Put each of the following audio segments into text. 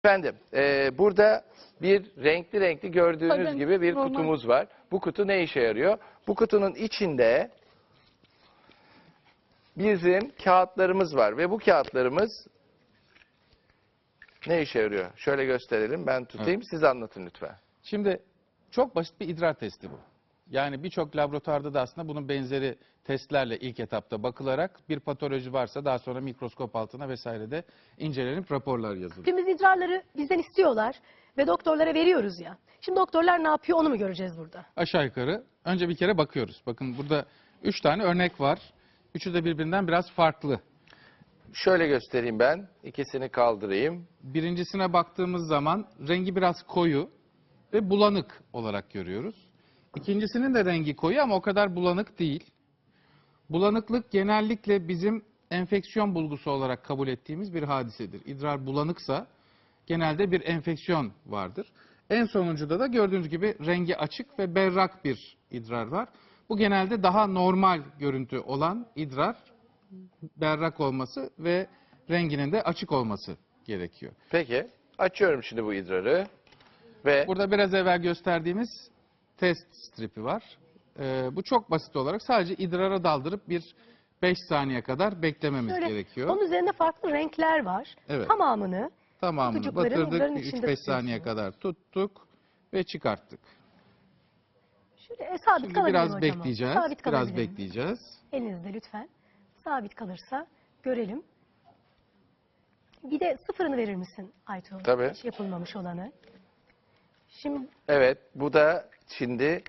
Efendim, burada bir renkli gördüğünüz Tabii, gibi bir normal. kutumuz var. Bu kutu ne işe yarıyor? Bu kutunun içinde bizim kağıtlarımız var ve bu kağıtlarımız ne işe yarıyor? Şöyle gösterelim, ben tutayım, siz anlatın lütfen. Şimdi çok basit bir idrar testi bu. Yani birçok laboratuvarda da aslında bunun benzeri testlerle ilk etapta bakılarak bir patoloji varsa daha sonra mikroskop altına vesairede incelenip raporlar yazılıyor. Hepimiz idrarları bizden istiyorlar ve doktorlara veriyoruz ya. Şimdi doktorlar ne yapıyor onu mu göreceğiz burada? Aşağı yukarı önce bir kere bakıyoruz. Bakın burada 3 tane örnek var. Üçü de birbirinden biraz farklı. Şöyle göstereyim ben, ikisini kaldırayım. Birincisine baktığımız zaman rengi biraz koyu ve bulanık olarak görüyoruz. İkincisinin de rengi koyu ama o kadar bulanık değil. Bulanıklık genellikle bizim enfeksiyon bulgusu olarak kabul ettiğimiz bir hadisedir. İdrar bulanıksa genelde bir enfeksiyon vardır. En sonuncuda da gördüğünüz gibi rengi açık ve berrak bir idrar var. Bu genelde daha normal görüntü olan idrar, berrak olması ve renginin de açık olması gerekiyor. Peki, açıyorum şimdi bu idrarı ve Burada biraz evvel gösterdiğimiz test stripi var. Bu çok basit olarak sadece idrara daldırıp bir 5 saniye kadar beklememiz Şöyle, gerekiyor. onun üzerinde farklı renkler var. Evet. Tamamını Tamamını kutucukların idrarın batırdık, içinde 3-5 saniye tutuyorsunuz. kadar tuttuk ve çıkarttık. Şöyle sabit Şimdi kalabilir biraz hocam. bekleyeceğiz, Sabit biraz kalabilir. bekleyeceğiz. Elinizde lütfen. Sabit kalırsa görelim. Bir de sıfırını verir misin Aytuğ? Tabii. Hiç yapılmamış olanı. Şimdi evet, bu da şimdi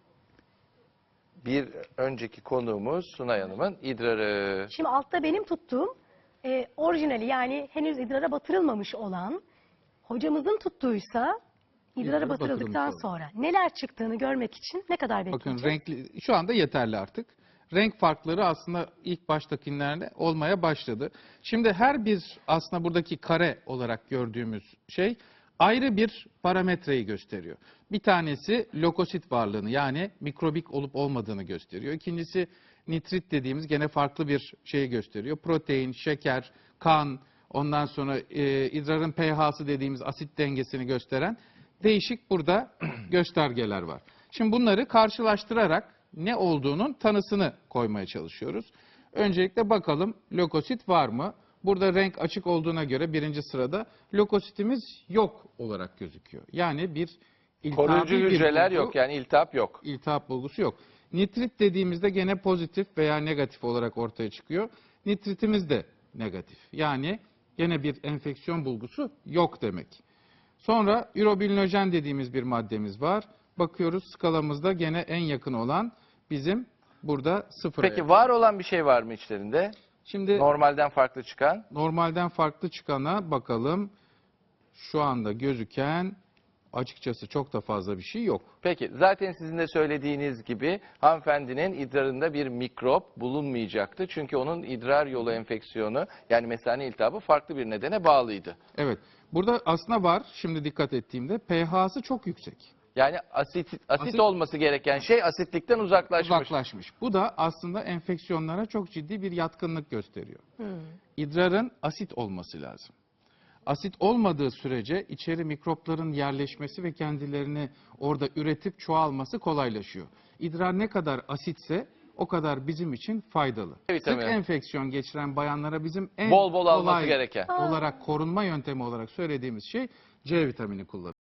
bir önceki konuğumuz Sunay Hanım'ın idrarı. Şimdi altta benim tuttuğum orijinali yani henüz idrara batırılmamış olan hocamızın tuttuysa idrara İdrara batırıldıktan batırılmış olan. sonra neler çıktığını görmek için ne kadar Bakın bekleyeceğiz? renkli, şu anda yeterli artık. Renk farkları aslında ilk baştakilerde olmaya başladı. Şimdi her bir aslında buradaki kare olarak gördüğümüz şey ayrı bir parametreyi gösteriyor. Bir tanesi lökosit varlığını yani mikrobik olup olmadığını gösteriyor. İkincisi nitrit dediğimiz gene farklı bir şeyi gösteriyor. Protein, şeker, kan, ondan sonra idrarın pH'sı dediğimiz asit dengesini gösteren değişik burada göstergeler var. Şimdi bunları karşılaştırarak ne olduğunun tanısını koymaya çalışıyoruz. Öncelikle bakalım lökosit var mı? Burada renk açık olduğuna göre birinci sırada lökositimiz yok olarak gözüküyor. Yani bir iltihabi Koruyucu bir hücreler bulgu, yok, yani iltihap yok. iltihap bulgusu yok. Nitrit dediğimizde gene pozitif veya negatif olarak ortaya çıkıyor. Nitritimiz de negatif. Yani gene bir enfeksiyon bulgusu yok demek. Sonra ürobilinojen dediğimiz bir maddemiz var. Bakıyoruz skalamızda gene en yakın olan bizim burada sıfıra. Peki var olan bir şey var mı içlerinde? Şimdi Normalden farklı çıkan? normalden farklı çıkana bakalım. Şu anda gözüken açıkçası çok da fazla bir şey yok. Peki, zaten sizin de söylediğiniz gibi hanımefendinin idrarında bir mikrop bulunmayacaktı. Çünkü onun idrar yolu enfeksiyonu yani mesane iltihabı farklı bir nedene bağlıydı. Evet. Burada aslında var. Şimdi dikkat ettiğimde pH'sı çok yüksek. Yani asit olması gereken şey asitlikten uzaklaşmış. Uzaklaşmış. Bu da aslında enfeksiyonlara çok ciddi bir yatkınlık gösteriyor. Hmm. İdrarın asit olması lazım. Asit olmadığı sürece içeri mikropların yerleşmesi ve kendilerini orada üretip çoğalması kolaylaşıyor. İdrar ne kadar asitse o kadar bizim için faydalı. Evet, Sık tabii. enfeksiyon geçiren bayanlara bizim en Bol bol alması kolay gereken. olarak korunma yöntemi olarak söylediğimiz şey C vitamini kullanmak.